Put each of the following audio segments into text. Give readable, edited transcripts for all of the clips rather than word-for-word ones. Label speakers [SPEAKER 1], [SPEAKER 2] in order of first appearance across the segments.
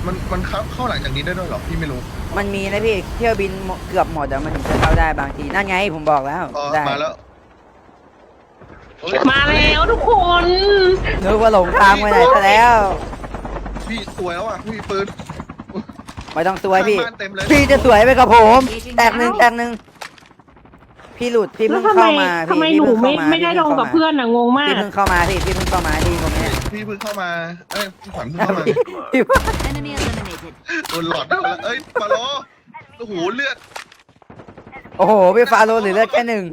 [SPEAKER 1] มันเข้าหลังจากนี้ได้ด้วยเหรอพี่ไม่รู้
[SPEAKER 2] มันมีนะพี่เที่ยวบินเกือบหมดแล้วมันถึงจะเข้าได้บางทีนั่นไงผมบอกแล้วได้
[SPEAKER 1] มาแล้ว
[SPEAKER 3] มาแล้วทุกคน
[SPEAKER 2] นึกว่าหลงทางไปไหนซะแล้ว
[SPEAKER 1] พี่สวยแล้วอ่ะพี่ปืน
[SPEAKER 2] ไม่ต้องสวยพี่
[SPEAKER 1] ข้างบ้านเต็มเลย
[SPEAKER 2] พี่จะสวยไปกับผม แตกหนึ่งพี่หลุดพี่
[SPEAKER 3] แล้
[SPEAKER 2] เพิ่
[SPEAKER 3] ว
[SPEAKER 2] งเข้ามาพี่
[SPEAKER 3] ทำไม
[SPEAKER 2] พี่
[SPEAKER 3] หนู
[SPEAKER 2] เพิ่งเข้ามา
[SPEAKER 3] ไม่ได้ลงกับเพื่อนอะงงมาก
[SPEAKER 2] พี่เพิ่งเข้ามาพี่เพิ่งเข้ามาที่ตรงนี้
[SPEAKER 1] พี่เพิ่งเข้ามาพี่ขวัญเพิ่งเข้ามา
[SPEAKER 2] พี่
[SPEAKER 4] Enemy eliminated.
[SPEAKER 1] โดนหลอดไปแล้วปาโลโอ้โหเลือด
[SPEAKER 2] โอ้โหพี่ฟาโรห์เหลือเลือดแค่หนึ่ง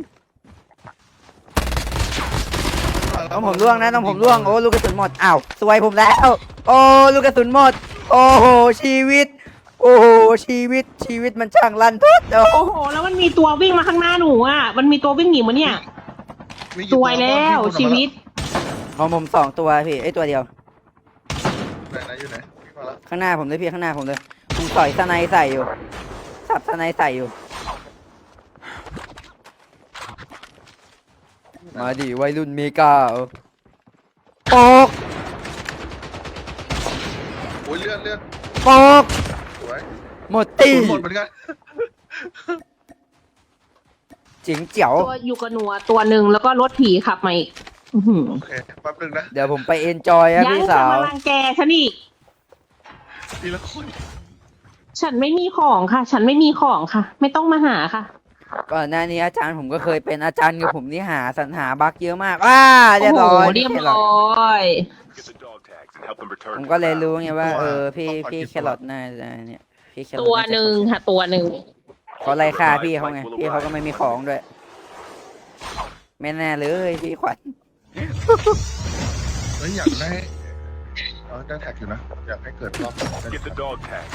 [SPEAKER 2] ต้องผมร่วงนะต้องผมร่วงโอ้ลูกกระสุนหมดอ้าวสวยผมแล้วโอ้ลูกกระสุนหมดโอ้โหชีวิตโอ้โหชีวิตมันช่างลั่นทุด
[SPEAKER 3] โอ้โหแล้วมันมีตัววิ่งมาข้างหน้าหนูอ่ะมันมีตัววิ่งหนีมาเนี่ยสวยแล้วชีวิต
[SPEAKER 2] ของผม2ตัวพี่ไอ้ตัวเดียว
[SPEAKER 1] ไหนอยู่ไหนพี่มาแล้ว
[SPEAKER 2] ข้างหน้าผมเลยพี่ข้างหน้าผมเลยผมต่อยสไนใส่อยู่สับสไนใส่อยู่มาดิวัยรุ่นเมกาปอก
[SPEAKER 1] โอ้ยเลือด
[SPEAKER 2] ปอก
[SPEAKER 1] สวย
[SPEAKER 2] หมดตี
[SPEAKER 1] หมดเหมือนกัน
[SPEAKER 2] จิ๋งเจ๋ว
[SPEAKER 3] ตัวอยู่กับหนูอะตัวหนึ่งแล้วก็รถผีขับมาอีกอื้อหือ
[SPEAKER 1] โอเคแป๊บนึงนะ
[SPEAKER 2] เดี๋ยวผมไปเอนจอยครับ
[SPEAKER 3] ยัง
[SPEAKER 2] พี่
[SPEAKER 3] จะ
[SPEAKER 2] สาว
[SPEAKER 3] มารังแกฉันอีก
[SPEAKER 1] ทีละคน
[SPEAKER 3] ฉันไม่มีของค่ะ ฉันไม่มีของค่ะ ไม่ต้องมาหาค่ะ
[SPEAKER 2] ก่อนหน้านี้อาจารย์ผมก็เคยเป็นอาจารย์กับผมนี่หาสรรหาบั๊กเยอะมากเรียบร้อย
[SPEAKER 3] โโหเรียบร้อย
[SPEAKER 5] Get the dog tags and help them return
[SPEAKER 2] ผม
[SPEAKER 5] to
[SPEAKER 2] ก็
[SPEAKER 5] the
[SPEAKER 2] เลย
[SPEAKER 5] lab.
[SPEAKER 2] รู้ไงว่าพี่แครอทน่าจะเนี่ยพี่แครอท
[SPEAKER 3] ตัวหนึ่งค่ะ ตัวหนึ่ง
[SPEAKER 2] เขาไล่ฆ่าพี่เขาไงพี่เขาก็ไม่มีของด้วยไม่แน่เลยพี่ขวัญ
[SPEAKER 1] อยากได้ได้แท็กอยู่นะอยากให้เกิดรอบ
[SPEAKER 5] Get the dog tags.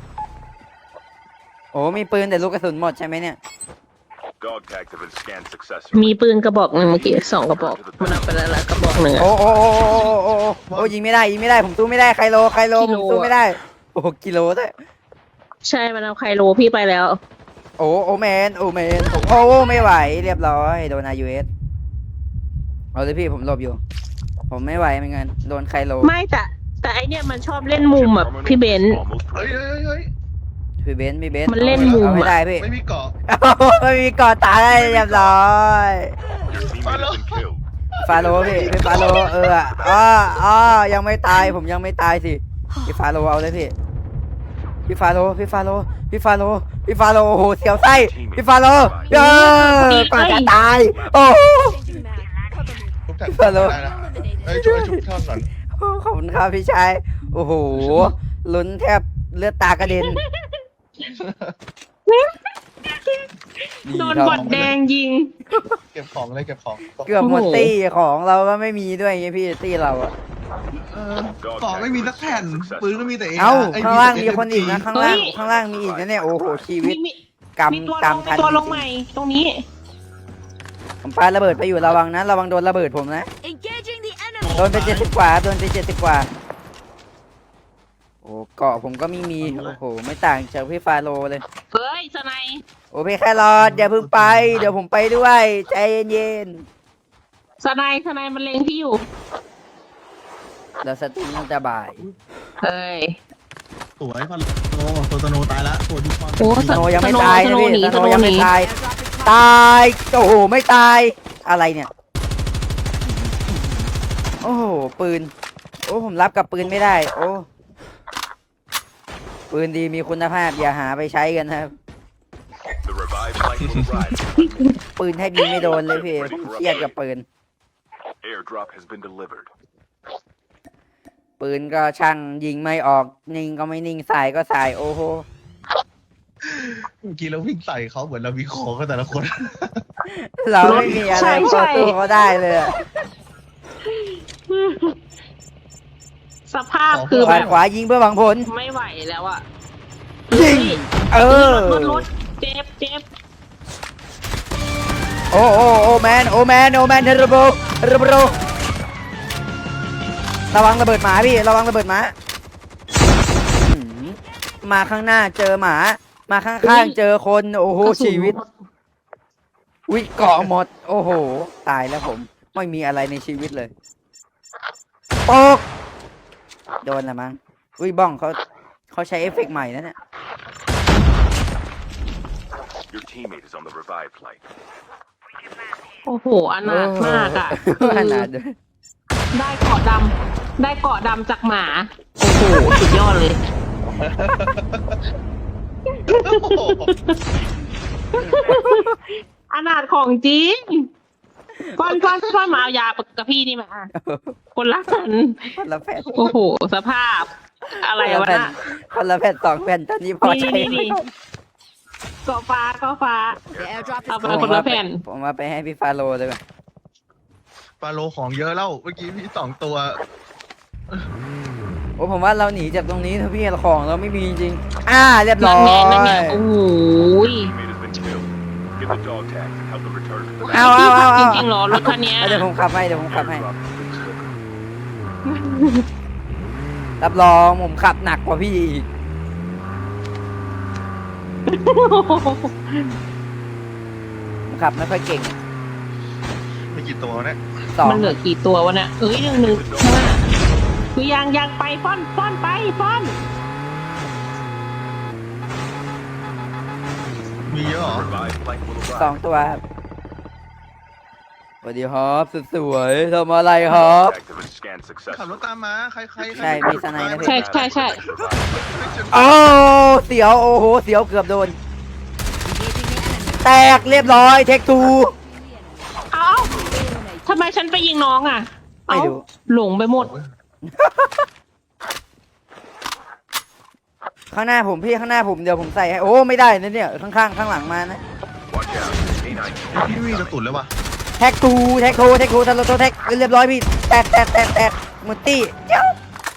[SPEAKER 2] โอ้มีปืนแต่ลูกกระสุนหมดใช่ไหมเนี่ย
[SPEAKER 5] Dog tags have been scanned successfully.
[SPEAKER 3] มีปืนกระบอกหนึ่งเมื่อกี้2กระบอกมันเอาไปแล้วละกระบอกหนึ่งอะ
[SPEAKER 2] โอ้ยิงไม่ได้ผมสู้ไม่ได้ใครโลผมสู้ไม่ได้โอ้กิโลด้วย
[SPEAKER 3] ใช่มันเอาไคโลพี่ไปแล้ว
[SPEAKER 2] โอ้แมนโอ้ไม่ไหวเรียบร้อยโดนอายูเอสเอาเลยพี่ผมหลบอยู่ ผมไม่ไหวเหมือนกันโดนใครโล
[SPEAKER 3] ไม่แต่ไอเนี่ยมันชอบเล่นมุมแบบพี่เบนซ์
[SPEAKER 5] Almost
[SPEAKER 1] เฮ้ย
[SPEAKER 5] ready.
[SPEAKER 2] พี่เบนซ์
[SPEAKER 3] มันเล่นมุม
[SPEAKER 2] เอาไม่ได้พี่
[SPEAKER 1] ไม่มีเกาะ
[SPEAKER 2] ไม่มีก่อตายได้เรียบร้อย
[SPEAKER 5] Your teammate has been killed.
[SPEAKER 2] ฟาโลพี่ฟาโลยังไม่ตายผมยังไม่ตายสิพี่ฟาโลเอาเลยพี่ฟาโลโอ้โหเสียวไส้พี่ฟาโลก่อนจะตายโอ้
[SPEAKER 1] ทุกแท็กได้นะช่วยชุบท่อนก่อน
[SPEAKER 2] ขอบคุณครับพี่ชายโอ้โหลุ้นแทบเลือดตากระเด็น
[SPEAKER 3] โดนบอดแดงยิง
[SPEAKER 1] เก็บของเลยเก็บของ
[SPEAKER 2] เกือบหมดตี้ของเราก็ไม่มีด้วยไงพี่ตี้เราอะ
[SPEAKER 1] ของไม่มีสักแผ่นปืนก็มีแต่เอง
[SPEAKER 2] เอ้าข้างล่างมีคนอีกนะข้างล่างมีอีกนะเนี่ยโอ้โหชีวิต
[SPEAKER 3] มี
[SPEAKER 2] กรรม
[SPEAKER 3] มีตัว
[SPEAKER 2] กร
[SPEAKER 3] ล
[SPEAKER 2] รม
[SPEAKER 3] ง
[SPEAKER 2] ทัน
[SPEAKER 3] ตัวลงใหม่ตรงนี้
[SPEAKER 2] ผมปาระเบิดไปอยู่ระวังนะระวังโดนระเบิดผมนะ
[SPEAKER 4] Engaging the enemy.
[SPEAKER 2] โดนไป70 กว่าโดนไป70 กว่าโอ้เกาะผมก็ไม่มีโอ้โหไม่ต่างจากพี่ฟาโลเลย
[SPEAKER 3] เฮ้ยสไนย
[SPEAKER 2] โอ้พี่แครอทอย่าเพิ่งไปเดี๋ยวผมไปด้วยใจเย็น
[SPEAKER 3] สไนยมันเล็งพี่อยู่
[SPEAKER 2] ๆเราสตรีมตั้งแต่บ่าย
[SPEAKER 3] เฮ้ย
[SPEAKER 1] สวยพันโนตัวตโนตายละตัวดีฟอน
[SPEAKER 3] โอ้
[SPEAKER 2] สโนยังไม่ตายนะพี่
[SPEAKER 3] สโนหนี
[SPEAKER 2] สโนยังไม่ตาย ตายโอ้โหไม่ตายอะไรเนี่ยโอ้โหปืนโอ้ผมรับกับปืนไม่ได้โอ้ปืนดีมีคุณภาพอย่าหาไปใช้กันนะครับ
[SPEAKER 5] The revived flight will arrive.
[SPEAKER 2] ปืนแทบยิงไม่โดนเลยพี่ผมเครียดกับปืน
[SPEAKER 5] Airdrop has been delivered.
[SPEAKER 2] ปืนก็ช่างยิงไม่ออกนิ่งก็ไม่นิ่งสายก็สายโอ้โห
[SPEAKER 1] เมื่อกี้เราวิ่งใส่เขาเหมือนเรามีของกันแต่ละคน
[SPEAKER 2] เราไม่มีอะไรพอตัวเขาได้เลยอะ
[SPEAKER 3] สภาพคือ
[SPEAKER 2] ข
[SPEAKER 3] แบ
[SPEAKER 2] วา
[SPEAKER 3] บ
[SPEAKER 2] ขวายิงเพื่อหวังผล
[SPEAKER 3] ไม่ไหวแล้วอ่ะ
[SPEAKER 2] ยิงเออ
[SPEAKER 3] รถเจ็บ
[SPEAKER 2] โอ้แมนเทอร์โบระวังระเบิดหมาพี่ระวังระเบิดหมามาข้างหน้าเจอหมามาข้างๆเจอคนโอ้โห
[SPEAKER 3] กระสุน
[SPEAKER 2] ชีวิตวิเกาะหมดโอ้โหตายแล้วผมไม่มีอะไรในชีวิตเลยปกโดนละมั้งบ้องเขาเขาใช้เอฟเฟกต์ใหม่นะเนี่ย
[SPEAKER 5] Your teammate is on the revived flight.
[SPEAKER 3] โอ้โหอนาถมากอ่ะ
[SPEAKER 2] ขนาดด้วย
[SPEAKER 3] ได้เกาะดำได้เกาะดำจากหมา โอ้โห สุดยอดเลย อนาถของจริงก้อนมาเอายากับพี่นี่มาคนละกัน
[SPEAKER 2] คนละแผ่น
[SPEAKER 3] โอ้โห สภาพ อะไรวะน่ะ
[SPEAKER 2] คนละแผ่น2 แผ่นตอนนี้พอใช้
[SPEAKER 3] นี่เกาะฟ้า
[SPEAKER 4] The airdrop
[SPEAKER 3] เอา
[SPEAKER 4] is
[SPEAKER 3] ไปคนละแผ่น
[SPEAKER 2] ผมมาไปให้พี่ฟาโรเลยว่ะ
[SPEAKER 1] ฟาโลของเยอะแล้วเมื่อกี้พี่2 ตัว
[SPEAKER 2] โอ้ผมว่าเราหนีจากตรงนี้เถอะพี่ของเราไม่มีจริงเรียบร้
[SPEAKER 3] นั่
[SPEAKER 2] อน
[SPEAKER 3] ไงนั่นไง
[SPEAKER 2] ย
[SPEAKER 3] โอ้โห
[SPEAKER 5] Teammate has been killed. Get the dog tags and help them return to the
[SPEAKER 2] เอา
[SPEAKER 3] พี่
[SPEAKER 2] เอา
[SPEAKER 3] ขับ
[SPEAKER 2] เอา
[SPEAKER 3] จริงๆเหรอรถคันเนี้ย
[SPEAKER 2] เดี๋ยวผมขับให้เดี๋ยวผมขับให้
[SPEAKER 5] Airdrop has been delivered.
[SPEAKER 2] รับรองผมขับหนักกว่าพี่อีกผมขับไม่ค่อยเก่ง
[SPEAKER 1] มีกี่ตัวเนี่ย
[SPEAKER 3] มันเหลือกี่ตัววะเนี่ยเอ้ยหนึ่งคือยังไปฟ้อนไปฟ้อน
[SPEAKER 1] มีเยอะเหรอ
[SPEAKER 5] Revived flight will
[SPEAKER 2] สอง
[SPEAKER 5] arrive.
[SPEAKER 2] ตัวครับสวัสดีครับสุดสวยทำอะไรครับ
[SPEAKER 5] Dog tag has been scanned
[SPEAKER 1] ขับรถ
[SPEAKER 5] successfully.
[SPEAKER 1] ตามมาใคร
[SPEAKER 2] ใช่มีสไนด์นะพี่
[SPEAKER 3] ใช่
[SPEAKER 2] โอ้เสียวโอ้โหเสียวเกือบโดน
[SPEAKER 4] engaging the enemy.
[SPEAKER 2] แตกเรียบร้อยเทคทู
[SPEAKER 3] เอ้าทำไมฉันไปยิงน้องอ่ะ
[SPEAKER 2] ไม่
[SPEAKER 3] เอ้า
[SPEAKER 2] รู้
[SPEAKER 3] หลงไปหมด
[SPEAKER 2] ข้างหน้าผมพี่ข้างหน้าผมเดี๋ยวผมใส่ให้โอ้ไม่ได้นะเนี่ยข้างข้างหลังมานะ
[SPEAKER 5] Watch out. A9.
[SPEAKER 1] พี่วิ่งกระตุนเลยว่ะ
[SPEAKER 2] แท็กทูทันโลโตแท็กเรียบร้อยพี่แตกหมดตี้เจ้า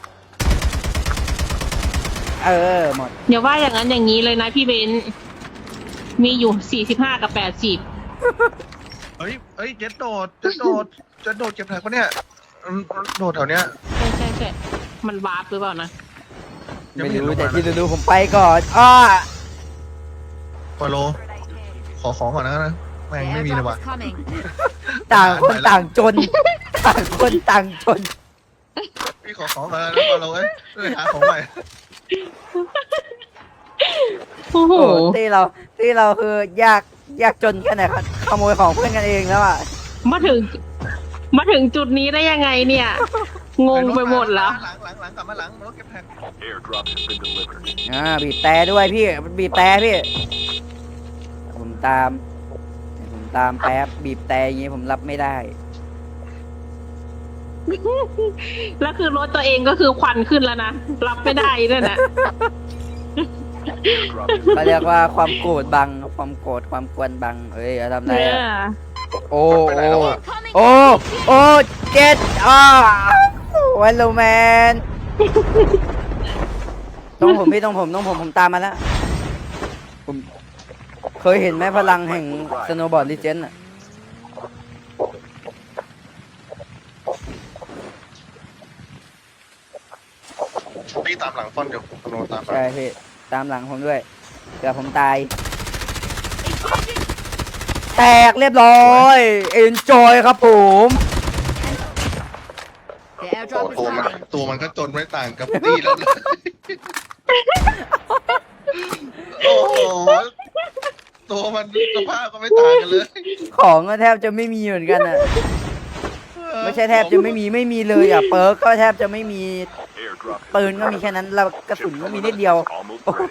[SPEAKER 2] หมด
[SPEAKER 3] เดี๋ยวว่าอย่างนั้นอย่างนี้เลยนะพี่เบนซ์มีอยู่45กับ80
[SPEAKER 1] เฮ้ยเจ็ดโดดเก็บแท็กปะเนี่ยโดดแถวเนี้ย
[SPEAKER 3] ใช่มันวาร์ปหรือเปล่านะ
[SPEAKER 1] ยัง
[SPEAKER 2] ไม่
[SPEAKER 1] ไม่เห็นล
[SPEAKER 2] รู้
[SPEAKER 1] ง
[SPEAKER 2] แต่
[SPEAKER 1] มา
[SPEAKER 2] ที่
[SPEAKER 1] นะ
[SPEAKER 2] รู้ผมไปก่อน
[SPEAKER 1] ฟาโลขอของก่อนนะแม่ง
[SPEAKER 4] The
[SPEAKER 1] ไม่มีเลย
[SPEAKER 4] airdrop
[SPEAKER 1] ว่ะ
[SPEAKER 4] is coming.
[SPEAKER 2] ต่างคนต่างจนต่างคนต่างจน
[SPEAKER 1] พี่ขอของก่อนนะฟาโลเอ้ยหาของใหม่
[SPEAKER 3] โอ้โห
[SPEAKER 2] โอ้ที่เราคือยากจนแค่ไหนครับขโมยของเพื่อนกันเองแล้วอ่ะ
[SPEAKER 3] มาถึงจุดนี้ได้ยังไงเนี่ย งงไปหมดแล้ว
[SPEAKER 1] หลังกลับมาหลังรถเก็บแท็ก
[SPEAKER 5] Airdrop has been delivered.
[SPEAKER 2] บีบแต่ด้วยพี่บีบแต่พี่ผมตามแป๊บบีบแต่อย่างงี้ผมรับไม่ได้
[SPEAKER 3] แล้วคือรถตัวเองก็คือควันขึ้นแล้วนะ รับไม่ได้ด้วยนะ
[SPEAKER 5] Airdrop has
[SPEAKER 2] เขาเรียกว่าความโกรธบังความโกรธความกวนบังเอ้ยทำไร
[SPEAKER 3] เนี่ย
[SPEAKER 2] อะโอ้
[SPEAKER 1] ไปไหนแล้วอะ
[SPEAKER 2] โอ้เจ็ดวันโลแมนต้องผมพี่ต้องผมตามมาแล้วผมเคยเห็นไหมพลังแห่งสโนว์บอร์ดลีเจนด์อะ
[SPEAKER 1] พี่ตามหลังฟอนเดี๋ยวฟาโลตามมา
[SPEAKER 2] ใช่พี่ตามหลังผมด้วยเดี๋ยวผมตาย แตกเรียบร้อยเอนจอยครับผม
[SPEAKER 4] The
[SPEAKER 1] โอ้
[SPEAKER 4] airdrop is
[SPEAKER 1] ตัวมัน
[SPEAKER 4] coming.
[SPEAKER 1] ก็จนไม่ต่างกับตี้แล้วเลยโอ้โหตัวมันสภาพก็ไม่ต่างกันเลย
[SPEAKER 2] ของก็แทบจะไม่มีเหมือนกันอ่ะไม่ใช่แทบจะไม่มีเลยอ่ะเปิร์กก็แทบจะไม่มี
[SPEAKER 5] Airdrop has
[SPEAKER 2] ปืนก็มีแค่นั้นแล้วกระสุนก็มีนิดเดียว
[SPEAKER 5] almost ready.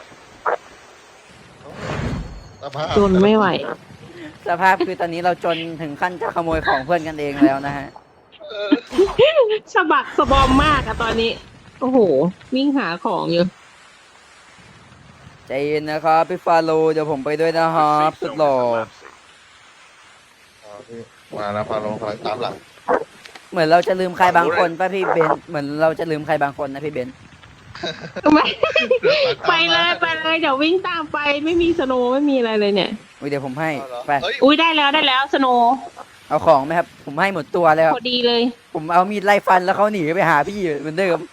[SPEAKER 1] สภาพ
[SPEAKER 3] จนไม่ไหว
[SPEAKER 2] สภาพคือตอนนี้เราจนถึงขั้นจะขโมยของเพื่อนกันเองแล้วนะฮะ
[SPEAKER 3] สะบักสะบอมมากอะตอนนี้ โอ้โห วิ่งหาของอยู่
[SPEAKER 2] ใจเย็นนะครับพี่ฟาโลเดี๋ยวผมไปด้วยนะค
[SPEAKER 5] The
[SPEAKER 2] รับ
[SPEAKER 5] safe
[SPEAKER 2] สุด
[SPEAKER 5] zone
[SPEAKER 2] หล่อ
[SPEAKER 5] is collapsing.
[SPEAKER 1] มาแล้วฟาโลคอยตามหลัง
[SPEAKER 2] เหมือนเราจะลืมใครบางคนป่ะพี่เบนซ์เหมือนเราจะลืมใครบางคนนะพี่เบนซ์
[SPEAKER 3] ไม่ไปเลยเดี๋ยววิ่งตามไปไม่มีสโนว์ไม่มีอะไรเลยเนี่ย
[SPEAKER 2] อุ๊ยเดี๋ยวผมให้ไป
[SPEAKER 1] เฮ้ย
[SPEAKER 3] อุ้ยได้แล้วสโนว์
[SPEAKER 2] เอาของไหมครับผมให้หมดตัวแล้ว
[SPEAKER 3] พอดีเลย
[SPEAKER 2] ผมเอามีดไล่ฟันแล้วเขาหนีไปหาพี่เหมือนเดิม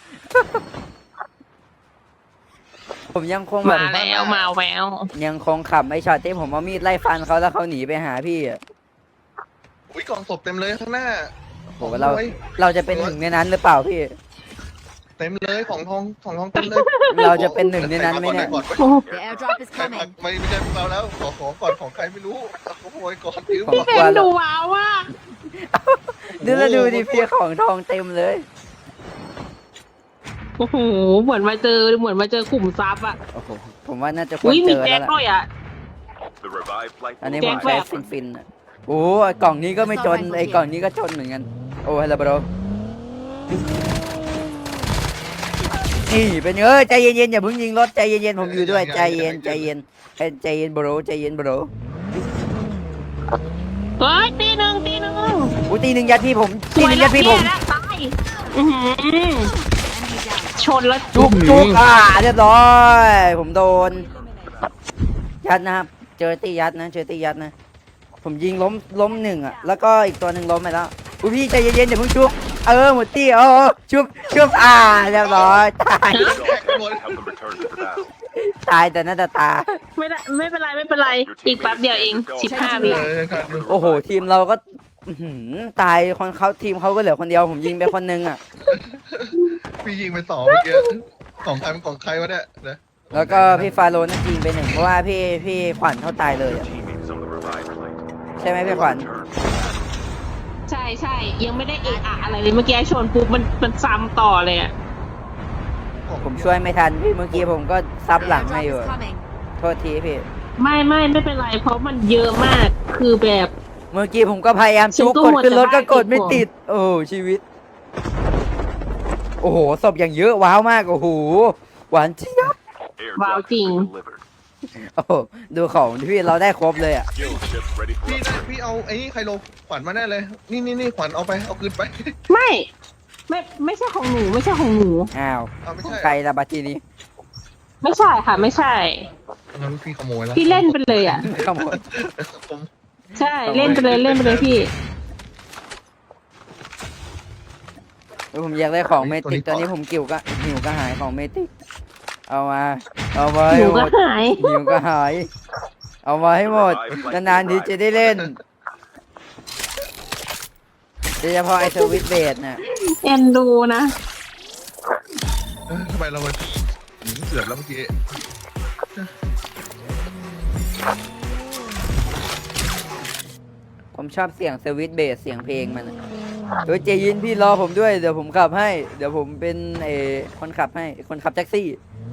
[SPEAKER 2] ผมยังคงแบบ
[SPEAKER 3] มาแล้วมาแวว
[SPEAKER 2] ยังคงขับไอ้ช็อตที่ผมเอามีดไล่ฟันเขาแล้วเขาหนีไปหาพี่อะ
[SPEAKER 1] อุ้ยกล่องศพเต็มเลยข้างหน้า
[SPEAKER 2] โหเราจะเป็นหนึ่งในนั้นหรือเปล่าพี่
[SPEAKER 1] เต็มเลยของทองเต็มเลย
[SPEAKER 2] เราจะเป็นหนึ่งในนั้นไหมเนี่ย
[SPEAKER 1] ก่อน
[SPEAKER 3] โอ้โห
[SPEAKER 4] The airdrop is
[SPEAKER 1] ใคร
[SPEAKER 4] coming.
[SPEAKER 1] ไม่ใช่พวกเราแล้วขอก่อนของใครไม่รู้ขโมยก่อนยืม
[SPEAKER 2] ของ
[SPEAKER 1] ก่อน
[SPEAKER 3] เป็นดูว้าวว่ะ
[SPEAKER 2] ดูแล้วดูดิพี่ของทองเต็มเลย
[SPEAKER 3] โอ้โหเหมือนมาเจอขุมทรัพย์อ่ะ
[SPEAKER 2] โอ้โหผมว่าน่าจะควร
[SPEAKER 3] อุ้ย
[SPEAKER 2] เจ
[SPEAKER 3] มี
[SPEAKER 2] อ
[SPEAKER 3] แจ็
[SPEAKER 2] แล้
[SPEAKER 3] คว
[SPEAKER 2] ล่ะ
[SPEAKER 3] ด้วยอ่ะ
[SPEAKER 5] The revived flight
[SPEAKER 2] อันนี้
[SPEAKER 3] แจ็
[SPEAKER 2] ผม
[SPEAKER 3] ค
[SPEAKER 2] ใช้
[SPEAKER 3] แบบ
[SPEAKER 2] ฟินๆอ่ะโอ้ยกล่องนี้ก็ไม่จนไอ้กล่องนี้ก็จนเหมือนกันโอ้ฮัลโหลบรนี่เป็นใจเย็นๆอย่าเพิ่งยิงรถใจเย็นๆผมอยู่ด้วยใจเย็นใจเย็นใจเย็นบรใจเย็นบร
[SPEAKER 3] เฮ้ยตีหนึ่ง
[SPEAKER 2] อุ้ยตีหนึ่งยัดพี่ผม
[SPEAKER 3] ส
[SPEAKER 2] ตี
[SPEAKER 3] ว
[SPEAKER 2] ห
[SPEAKER 3] ย
[SPEAKER 2] นึ่ง
[SPEAKER 3] แล้
[SPEAKER 2] ยั
[SPEAKER 3] ว
[SPEAKER 2] ดพี่ผม
[SPEAKER 3] ตายอื้อหือ
[SPEAKER 4] Enemy down.
[SPEAKER 3] ชนแล้ว
[SPEAKER 2] จุกเรียบร้อย ผมโดน ยัดนะครับ เจอตียัดนะ ผมยิงล้มหนึ่งอ่ะ แล้วก็อีกตัวหนึ่งล้มไปแล้วอุ้ยพี่ใจเย็นๆอย่าเพิ่งชุบหมดตี้ชุบเรียบร้อยตาย
[SPEAKER 5] help them return to the battle.
[SPEAKER 2] ตายแต่หน้าตา
[SPEAKER 3] ไม่เป็นไร อีกแป๊บเดียวเอง15 วิ
[SPEAKER 2] โอ้โห ทีมเราก็อื้อหือตายคนเขาทีมเขาก็เหลือคนเดียว ผมยิงไปคนนึงอ่ะ
[SPEAKER 1] พี่ยิงไป2เมื่อกี้ของใครเป็นของใครวะเนี่ยนะ
[SPEAKER 2] แล้วก็พี่ฟาโรน่ะยิงไปหนึ่งเพราะว่าพี่ขวัญเขาตายเลย
[SPEAKER 5] Your
[SPEAKER 2] อะ
[SPEAKER 5] teammates on the revived flight.
[SPEAKER 2] ใช่ไหมพี่ขวัญ
[SPEAKER 5] Return.
[SPEAKER 3] ใช่ยังไม่ได้เอะอะอะไรเลยเมื่อกี้ชนปุ๊บมันซ้ำต่อเลยอ่ะ
[SPEAKER 2] ผมช่วยไม่ทันพี่เมื่อกี้ผมก็ซับ
[SPEAKER 4] The
[SPEAKER 2] หลังให้
[SPEAKER 4] airdrop
[SPEAKER 2] อยู่
[SPEAKER 4] is coming.
[SPEAKER 2] โทษทีพี่
[SPEAKER 3] ไม่เป็นไร เพราะมันเยอะมากคือแบบ
[SPEAKER 2] เมื่อกี้ผมก็พยายามจุก
[SPEAKER 3] ฉันก็
[SPEAKER 2] กด
[SPEAKER 3] มัว
[SPEAKER 2] ขึ้นรถ
[SPEAKER 3] แต่
[SPEAKER 2] ก็กดไม่
[SPEAKER 3] บ้า
[SPEAKER 2] ติด โอ้ชีวิต โอ้โหศพอย่างเยอะว้าวมาก โอ้โห หวานเจี๊ยบ
[SPEAKER 5] Airdrop
[SPEAKER 3] Wow,
[SPEAKER 5] has been
[SPEAKER 3] King.
[SPEAKER 5] delivered.
[SPEAKER 2] โอ้โหดูของที่พี่เราได้ครบเลยอ่ะ
[SPEAKER 5] Kill ship ready for
[SPEAKER 1] พี่
[SPEAKER 5] upgrade.
[SPEAKER 1] พี่เอาไอ้นี่ใครโลขวัญมาแน่เลย นี่ขวัญเอาคืนไป
[SPEAKER 3] ไม่ใช่ของหนู
[SPEAKER 2] อ้าว
[SPEAKER 1] เอาไม่
[SPEAKER 2] ของ
[SPEAKER 1] ใช่
[SPEAKER 2] ใครละบัตทีนี้
[SPEAKER 3] ไม่ใช่ค่ะ ไม่ใช่
[SPEAKER 1] งั้นพี่ขโมยแล้ว
[SPEAKER 3] พี่เล่นไปเลยอ่ะ
[SPEAKER 2] ขโมย
[SPEAKER 1] ผม
[SPEAKER 3] ใช่เล่นไปเลยพี่
[SPEAKER 2] ผมอยากได้ของเมติกตอนนี้ผมหิวก็หายของเมติกเอามาให้
[SPEAKER 3] หนู
[SPEAKER 2] หม
[SPEAKER 3] ก็
[SPEAKER 2] ด
[SPEAKER 3] หาย
[SPEAKER 2] หิวก็หาย เอามาให้หมดนานๆทีจะได้เล่นโดยเฉพาะไอสวิตเบดน่ะ
[SPEAKER 3] เอ็นดูนะ
[SPEAKER 1] ทำไมเราเกือบแล้วเมื่อกี้
[SPEAKER 2] ผมชอบเสียงสวิตเบสเสียงเพลงมันอะเฮ้ยเจยินพี่รอผมด้วยเดี๋ยวผมขับให้ เดี๋ยวผมเป็นคนขับให้คนขับแท็กซี่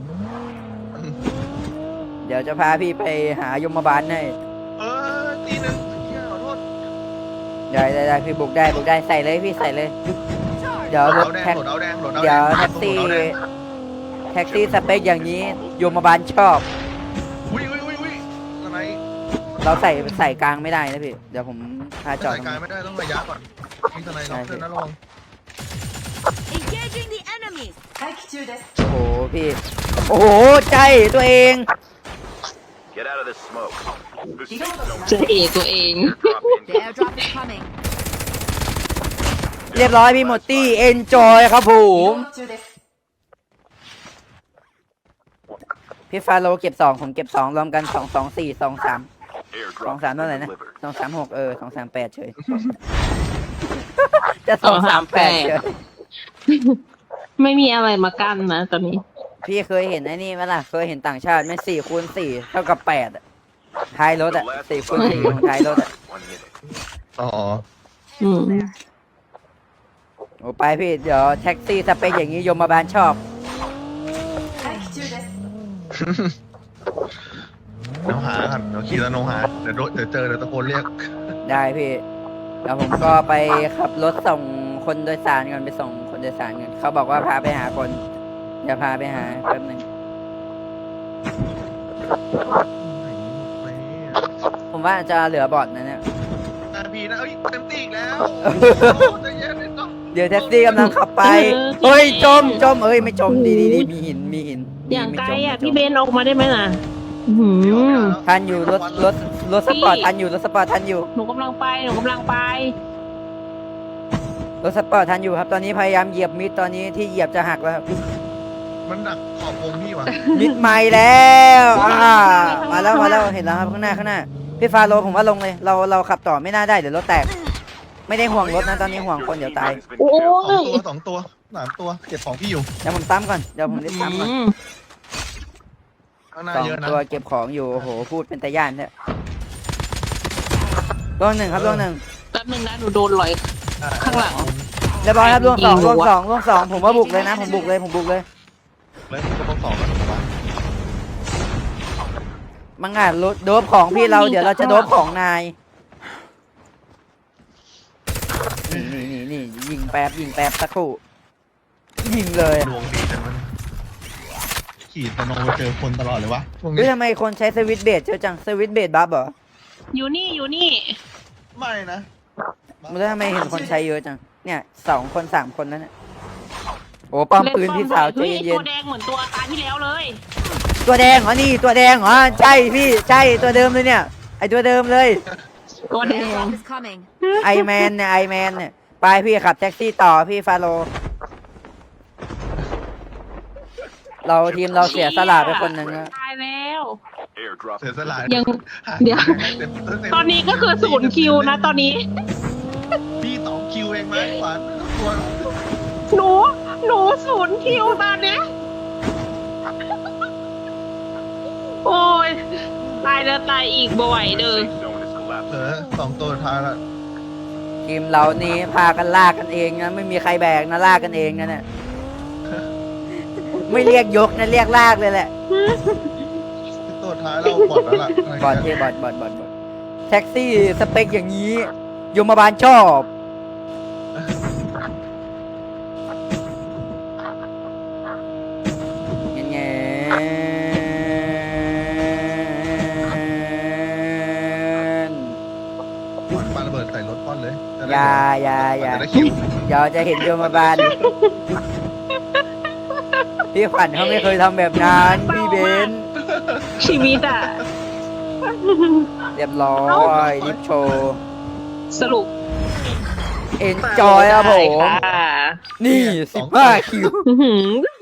[SPEAKER 2] เดี๋ยวจะพาพี่ไปหายมบาลให้
[SPEAKER 1] ตีหนึ่งขอโทษ
[SPEAKER 2] ได้พี่บุกได้ใส่เลยพี่ใส่เลย เดี๋ยวรถ
[SPEAKER 1] แดง
[SPEAKER 2] แท็ก
[SPEAKER 1] โหลดเอาแดงโหลดเอา
[SPEAKER 2] เดี๋ยว
[SPEAKER 1] แดง
[SPEAKER 2] แท็กซี่สเปคอย่างนี้ยมบาลชอบ
[SPEAKER 1] อุ้ยทำไม
[SPEAKER 2] เราใส่กลางไม่ได้นะพี่ เดี๋ยวผมพาจอด
[SPEAKER 1] ใส่
[SPEAKER 2] ตรง
[SPEAKER 1] กาย
[SPEAKER 2] นี้
[SPEAKER 1] ไม่ได้ต้องระยะก่อนมีทนายล็อกเพื่อนนะระวัง
[SPEAKER 4] Engaging the enemy.
[SPEAKER 2] โอ้โหพี่ โอ้โหใจตัวเอง
[SPEAKER 5] Get out of this smoke. The safe zone
[SPEAKER 3] เจอเอกตัวเอง
[SPEAKER 5] drop
[SPEAKER 4] The
[SPEAKER 5] in.
[SPEAKER 4] airdrop is coming.
[SPEAKER 2] เรียบร้อยพี่หมดตี้เอนจอยครับผมพี่ฟาโลเก็บ2ผมเก็บ2รวมกัน2 2 4 2 3
[SPEAKER 5] Airdrop
[SPEAKER 2] 2 3
[SPEAKER 5] has
[SPEAKER 2] เท่าไหร่
[SPEAKER 5] been
[SPEAKER 2] นะ
[SPEAKER 5] delivered.
[SPEAKER 2] 2 3 62 3 8เฉย จะ2 3 8เฉย
[SPEAKER 3] ไม่มีอะไรมากั้นนะตอนนี้
[SPEAKER 2] พี่เคยเห็นไอ้นี่ไหมล่ะ เคยเห็นต่างชาติไหม4 คูณ 4 เท่ากับ8อะท้ายรถอะ4 คูณ 4ของท้ายรถอะ
[SPEAKER 5] 1 minute.
[SPEAKER 1] อ๋อ
[SPEAKER 3] อืม
[SPEAKER 2] โอ้ไปพี่ เดี๋ยวแท็กซี่สเปคอย่างนี้ยมบาลชอบ
[SPEAKER 1] น้องหากันเดี๋ยวขี่แล้วน้องหาเดี๋ยวเจอเดี๋ยวตะโกนเรียก
[SPEAKER 2] ได้พี่ แล้วผมก็ไปขับรถส่งคนโดยสารกันไปส่งคนโดยสารกันเขาบอกว่าพาไปหาคนอย่าพาไปหาแป๊บหนึงผมว่าจะเหลือบอดนะเนี่ย
[SPEAKER 1] พี่นะเอ้ยเต็มตีอีกแล้วใจเย็นนิดหน่อย
[SPEAKER 2] เดี๋ยวแท็กซี่กำลังขับไปเฮ้ยจมเอ้ยไม่จมดีมีหิน
[SPEAKER 3] อย่างไกล
[SPEAKER 2] ไม่จม
[SPEAKER 3] อ่ะ
[SPEAKER 2] ไม่จม
[SPEAKER 3] พี่เบนออกมาได้ไหมล่ะอื้อหือ
[SPEAKER 2] ทันอยู่รถสปอร์ตทันอยู่รถสปอร์ตทันอยู่
[SPEAKER 3] หนูกำลังไป
[SPEAKER 2] รถสปอร์ตทันอยู่ครับ ตอนนี้พยายามเหยียบมิดตอนนี้ที่เหยียบจะหักแล้วครับ
[SPEAKER 1] มันดักขอบวงพี่วะ
[SPEAKER 2] มิดใหม่แล้วมาแล้วเห็นแล้วครับข้างหน้าพี่ฟาโรผมว่าลงเลยเราขับต่อไม่น่าได้เดี๋ยวรถแตกไม่ได้ห่วงรถนะตอนนี้ห่วงคนเดี๋ยวตาย
[SPEAKER 3] โอ้ย
[SPEAKER 1] สองตัวสามตัวเก็บของพี่อยู่
[SPEAKER 2] เดี๋ยวผมซ้ำก่อนเดี๋ยวผมรีบซ้ำก่อน
[SPEAKER 1] ข้างหน้า
[SPEAKER 2] สอง
[SPEAKER 1] เยอะนะ
[SPEAKER 2] ตัวเก็บของอยู่โอ้โหพูดเป็นตะย่านเนี่ยล่วงหนึ่งครับล่วงหนึ่ง
[SPEAKER 3] แป๊บนึงนะหนูโดนลอย ข้างหลัง
[SPEAKER 2] เรียบร้อยครับล่วงสอง
[SPEAKER 3] ยิง
[SPEAKER 2] ล่วง
[SPEAKER 3] หัว
[SPEAKER 2] สองล่วงสองผมว่าบุกเลยนะผมบุกเลย
[SPEAKER 1] แล้วก็ต้องสองกันถูกปะ
[SPEAKER 2] มังงะโดบของพี่เราเดี๋ยวเราจะโดบของนายนี่ยิงแป๊บสักครู่ยิงเลย
[SPEAKER 1] ดวงดีจังมันขี่ตะโนไปเจอคนตลอดเลยวะพวก
[SPEAKER 2] เฮ้
[SPEAKER 1] นี้
[SPEAKER 2] ยทำไมคนใช้สวิตช์เบสเยอะจังสวิตช์เบสบัฟเหรอ
[SPEAKER 3] อยู่นี่อยู่นี่
[SPEAKER 1] ไม่นะ
[SPEAKER 2] มันทำไมเห็นคนใช้เยอะจังเนี่ย2 คน 3 คนแล้วเนี่ยโอ้ป้อมปืนพี่สาวใจ
[SPEAKER 3] ฮ้
[SPEAKER 2] เย็
[SPEAKER 3] ตัวน แดงเหมือนตัวตาที่แล้วเลย
[SPEAKER 2] ๆตัวแดงเหรอนี่ตัวแดงเหรอใช่พี่ใช่ตัวเดิมเลยเนี่ยไอตัวเดิมเลย
[SPEAKER 3] ตัวแดง
[SPEAKER 4] Airdrop is coming.
[SPEAKER 2] ไอแมนเนี่ยไปพี่ขับแท็กซี่ต่อพี่ฟาโลเราทีมเราเสียสละไปคนหนึ่งนะ
[SPEAKER 3] ตายแล้ว
[SPEAKER 5] Airdrop.
[SPEAKER 1] เสียสละ
[SPEAKER 3] ยังเดี๋ยว ตอนนี้ก็คือ0 คิวนะตอนนี้
[SPEAKER 1] พี่2 คิวเองไหมขวัญตัว
[SPEAKER 3] หนู0 คิวตอนเนี้ยโอ้ยตายแล้วตายอีกบ่อยเด้อ
[SPEAKER 5] Safe zone is collapsing.
[SPEAKER 1] 2 ตัวท้ายละ
[SPEAKER 2] ทีมเรานี่พากันลากกันเองนะไม่มีใครแบกนะลากกันเองนะเนี่ยไม่เรียกยกนะเรียกลากเลยแหละ
[SPEAKER 1] ตัวท้ายเราบอดแล้วล่ะ
[SPEAKER 2] บอดที่บอดแท็กซี่สเปคอย่างนี้ยมบาลชอบเงี้ย
[SPEAKER 1] ปาระเบิดใส่รถป้อนเลย
[SPEAKER 2] อย่า
[SPEAKER 1] จะได้คิว
[SPEAKER 2] เดี๋ยวจะเห็นโยมบาลพี่ขวัญเขาไม่เคยทำแบบนั้นพี่เบน
[SPEAKER 3] ชีวิตอ่ะ
[SPEAKER 2] เรียบร้อยดิฟโชว์
[SPEAKER 3] สรุป
[SPEAKER 2] เอ็นจอยครับผม
[SPEAKER 3] ค่ะ
[SPEAKER 2] นี่15 คิว
[SPEAKER 3] อื้อหือ